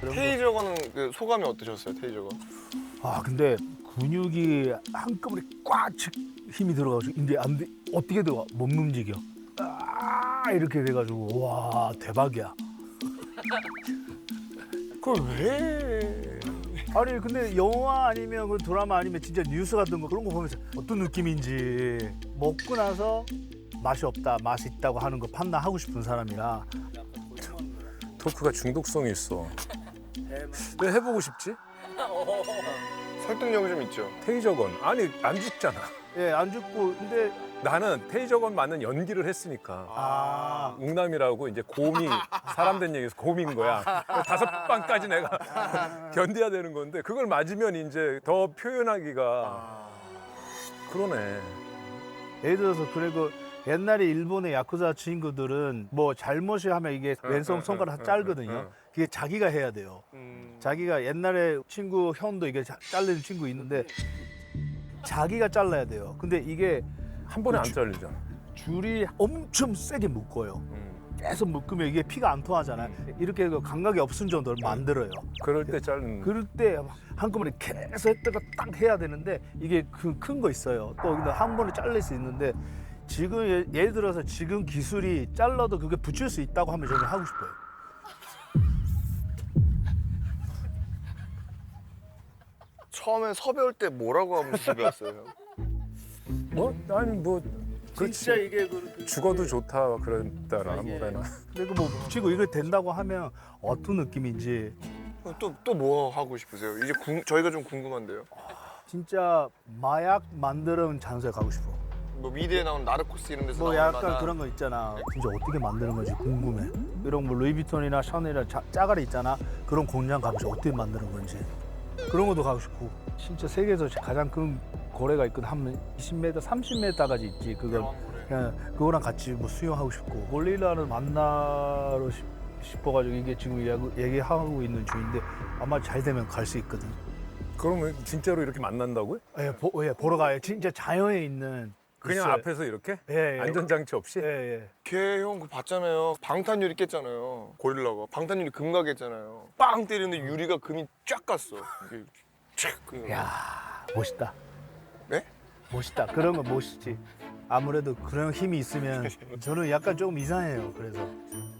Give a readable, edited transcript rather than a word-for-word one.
이런 거. 테이저건은 그 소감이 어떠셨어요? 테이저건? 아 근데 근육이 한꺼번에 꽉 힘이 들어가지고 이게 안 돼. 어떻게 들어가? 못 움직여. 아 이렇게 돼가지고 와 대박이야. 그걸 왜? 아니 근데 영화 아니면 그 드라마 아니면 진짜 뉴스 같은 거 그런 거 보면서 어떤 느낌인지 먹고 나서 맛이 없다, 맛이 있다고 하는 거 판단하고 싶은 사람이라 토크가 중독성이 있어. 왜 해보고 싶지? 설득력이 좀 있죠. 테이저건. 아니 안 죽잖아. 예, 안 죽고 근데 나는 테이저건 맞는 연기를 했으니까. 아 웅남이라고 이제 곰이 사람 된 얘기에서 곰인 거야. 5방까지 내가 견뎌야 되는 건데 그걸 맞으면 이제 더 표현하기가 그러네. 예를 들어서 그리고 옛날에 일본의 야쿠자 친구들은 뭐 잘못이 하면 이게 왼손 손가락 짧거든요. 그게 자기가 해야 돼요. 자기가 옛날에 친구 형도 이게 잘리는 친구 있는데 자기가 잘라야 돼요. 근데 이게 한 번에 안 잘리잖아. 줄이 엄청 세게 묶어요. 계속 묶으면 이게 피가 안 통하잖아요. 이렇게 그 감각이 없은 정도를 만들어요. 그럴 때 자르는. 그럴 때 한꺼번에 계속 했다가 딱 해야 되는데 이게 큰 거 있어요. 또 근데 한 번에 잘릴 수 있는데 지금 예를 들어서 지금 기술이 잘라도 그게 붙일 수 있다고 하면 저는 하고 싶어요. 처음에 섭외 때 뭐라고 하면 집에 왔어요? 뭐? 아니 뭐 진짜 그렇지. 이게 죽어도 좋다 그랬다나 이게- 뭐래나. 그리고 뭐 붙이고 이거 된다고 하면 어떤 느낌인지 또 뭐 하고 싶으세요? 이제 저희가 좀 궁금한데요. 진짜 마약 만드는 장소에 가고 싶어. 뭐 미드에 나오는 나르코스 이런 데서 뭐 나올 약간 만한 그런 거 있잖아. 진짜 어떻게 만드는 건지 궁금해. 이런 뭐 루이비통이나 샤넬이나 짜가리 있잖아. 그런 공장 가고 싶어. 어떻게 만드는 건지. 그런 것도 가고 싶고. 진짜 세계에서 가장 큰 고래가 있거든. 한 20m, 30m까지 있지. 그걸 그냥 그거랑 같이 뭐 수영하고 싶고. 골릴라를 만나러 싶어가지고 이게 지금 얘기하고 있는 중인데 아마 잘 되면 갈 수 있거든. 그러면 진짜로 이렇게 만난다고요? 예, 보러 가요. 진짜 자연에 있는. 그냥 있어요. 앞에서 이렇게? 예, 예. 안전장치 없이? 예, 예. 걔 형 그거 봤잖아요. 방탄유리 깼잖아요. 고릴라가 방탄유리 금가 깼잖아요. 빵 때리는데 유리가 금이 쫙 갔어. 이게 쫙. 야 멋있다. 네? 멋있다. 그런 거 멋있지. 아무래도 그런 힘이 있으면 저는 약간 조금 이상해요. 그래서